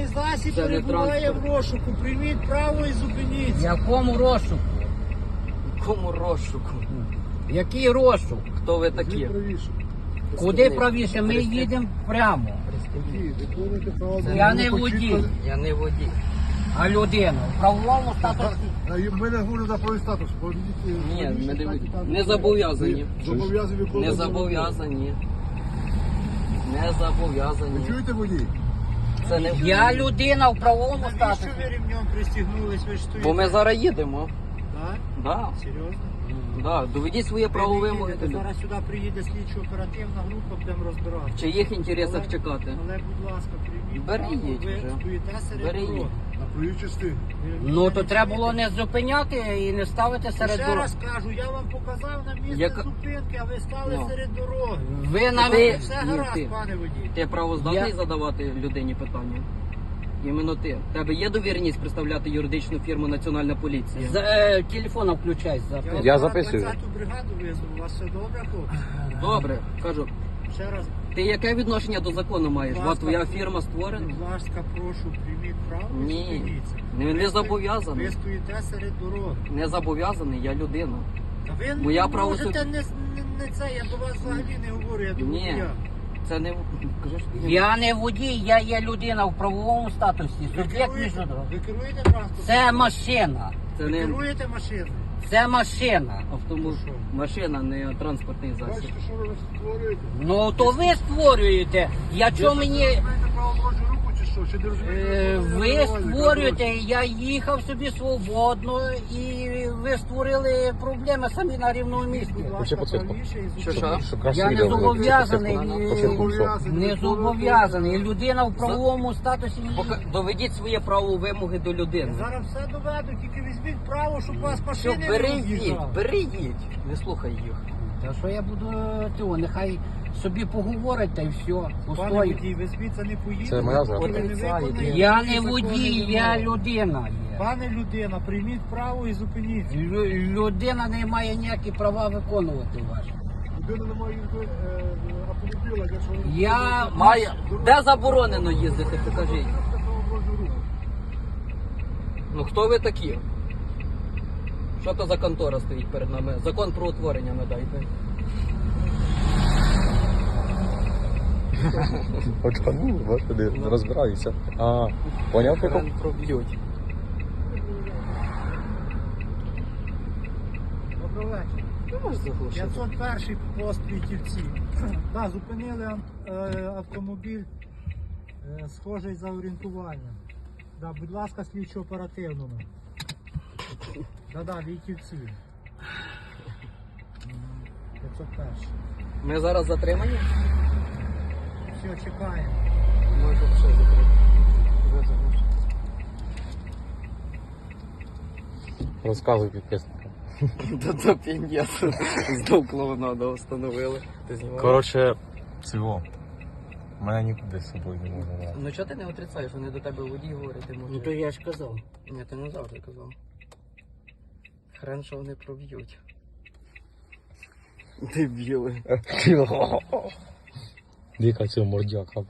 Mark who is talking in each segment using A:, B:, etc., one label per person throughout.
A: засіб
B: Це не
A: перебуває в
B: транспорт.
A: розшуку. Прийміть право і зупиніться.
C: Якому розшуку?
B: Кому розшуку?
C: Який розшук?
B: Хто ви такі?
C: Куди правіше? Ми їдемо прямо. Я не водій,
B: Я не водій.
C: а людина. В правовому статусі.
D: Ми не говоримо за правий статус.
B: Ні, ми не водій. Не зобов'язані.
D: Зобов'язані виконувати.
B: Не зобов'язані. Не зобов'язані.
D: Чуєте водій?
B: Це не
C: Я людина в правовому
A: Навіщо
C: статусі.
A: ви ремнем пристігнулись? Ви ж стоїте?
B: Бо ми зараз їдемо.
A: Так?
B: Да,
A: Серйозно?
B: да. Доведіть своє право
A: Ви не
B: вимоги.
A: їдете,
B: до людей.
A: зараз сюди приїде слідчо-оперативна група, будемо розбиратися.
B: В чиїх інтересах чекати?
A: Але, будь ласка, прийміть
B: Бери
A: право,
B: їдь
A: ви
B: вже.
A: стоїте серед
B: Бери
A: дороги.
B: їдь.
D: На правій частині.
C: Ну то треба було не зупиняти і не ставити серед
A: Ще
C: дороги.
A: раз кажу, я вам показав на місце
B: Яка-
A: зупинки, а ви стали
B: Ну.
A: серед дороги.
C: Ви на
B: Ти-
A: Все
B: ні,
A: гаразд,
B: ти.
A: пане водій.
B: Ти правоздатний
C: Я-
B: задавати людині питання? Іменно ти. В тебе є довіреність представляти юридичну фірму Національна поліція?
C: Телефона включай.
D: Я
A: вам
D: записую.
A: 20-ту бригаду визвав, у вас все добре, хлопці?
B: Добре, кажу.
A: Ще раз,
B: Ти яке відношення до закону маєш?
A: Будь
B: Бо
A: ласка.
B: твоя фірма створена?
A: будь ласка, прошу, прийміть право і
B: Ні.
A: зупиніться.
B: Не зобов'язаний.
A: Ви стоїте серед дороги.
B: Не зобов'язаний, я людина.
A: Та ви
B: Моя
A: не
B: право
A: можете
B: суд-
A: не це, я до вас взагалі не говорю, я до
B: Ні.
A: водія.
B: Це не кажеш,
C: Я не водій, я є людина в правовому статусі.
A: Ви
C: Суб'єкт міжнародного.
A: керуєте транспортом?
C: Це машина.
B: це
A: Ви
B: не
A: керуєте машиною?
C: Це машина.
B: автомобіль, машина, не транспортний засіб.
D: Бачите, що ви створюєте?
C: Ну то ви створюєте. Я чого мені.
D: Знаєте право дорожнього руху чи що? Чи не розумієте?
C: Ви створюєте, я їхав собі свободно і ви створили проблеми самі на рівному місці.
A: Будь ласка, правіше і
B: Що,
A: зупиніться.
C: Я не зобов'язаний,
D: Зобов'язаний.
C: не зобов'язаний. Людина в правовому статусі.
B: Доведіть своє право вимоги до людини.
A: Зараз все доведу, тільки візьміть право, щоб вас
B: Що,
A: машини не
B: бери їдь,
A: роз'їжджали.
B: бери їдь. Не слухай їх.
C: Та що я буду того, нехай собі поговорить та й все.
A: Пане
C: Пустою.
A: водій, ви звідси не поїдете.
D: Це моя
A: поки ви не
B: Отрицаєте.
A: виконаєте
C: Я
A: всі
C: не
A: закони
C: водій, я
A: вимоги.
C: людина є.
A: Пане людина, прийміть право і зупиніться.
C: Людина не має ніякі права виконувати ваші.
D: Людина не має автомобіля, якщо ви...
C: Я
B: Має. Де заборонено їздити, покажіть. Ну хто ви такі? Що то за контора стоїть перед нами? Закон про утворення надайте.
E: Очкану, господи, розбираюся. А, поняв прикол?
B: Хрен проб'ють.
A: Добрий вечір.
B: Ти можеш заглушити?
A: 501 пост Вітівці. Так, зупинили автомобіль, схожий за орієнтуванням. Да, будь ласка, слідчо оперативному. Да, Вітівці. 501.
B: Ми зараз затримані?
A: Все, чекаємо.
B: Може ще закрити.
E: Розказуй підписникам.
B: Та пін'єт. Знов клоунаду встановили. Ти знімаєш?
E: Коротше, цього. Мене нікуди з собою не можна брати.
B: Ну чого ти не отрицаєш? Вони до тебе водій говорять, ти
C: ну
B: можеш.
C: то я ж казав.
B: Ні, ти не завжди казав. Хрен, що вони проб'ють. Дебіли.
E: Дика цього мордяка.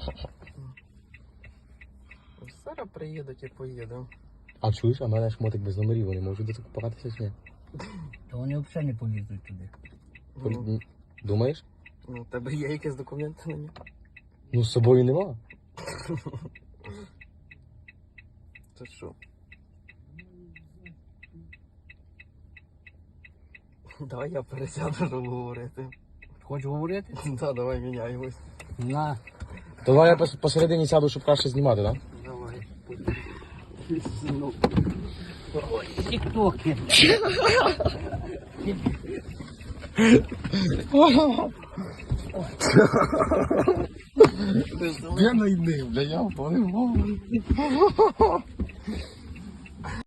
B: Зараз приїдуть і поїдемо.
E: А чуєш, а в мене шмотик без номерів, вони можуть докупатися чи ні?
C: То вони взагалі не полізуть туди.
B: Ну,
E: Думаєш?
B: у тебе є якісь документи на нього?
E: Ну з собою нема.
B: Це що? Давай я пересяду, щоб говорити.
C: Хочеш говорити?
B: Так, давай міняємось.
C: На.
E: Давай я посередині сяду, щоб краще знімати, так?
B: Давай.
C: Тіктоки.
E: Я найдив, бля, я понимаю.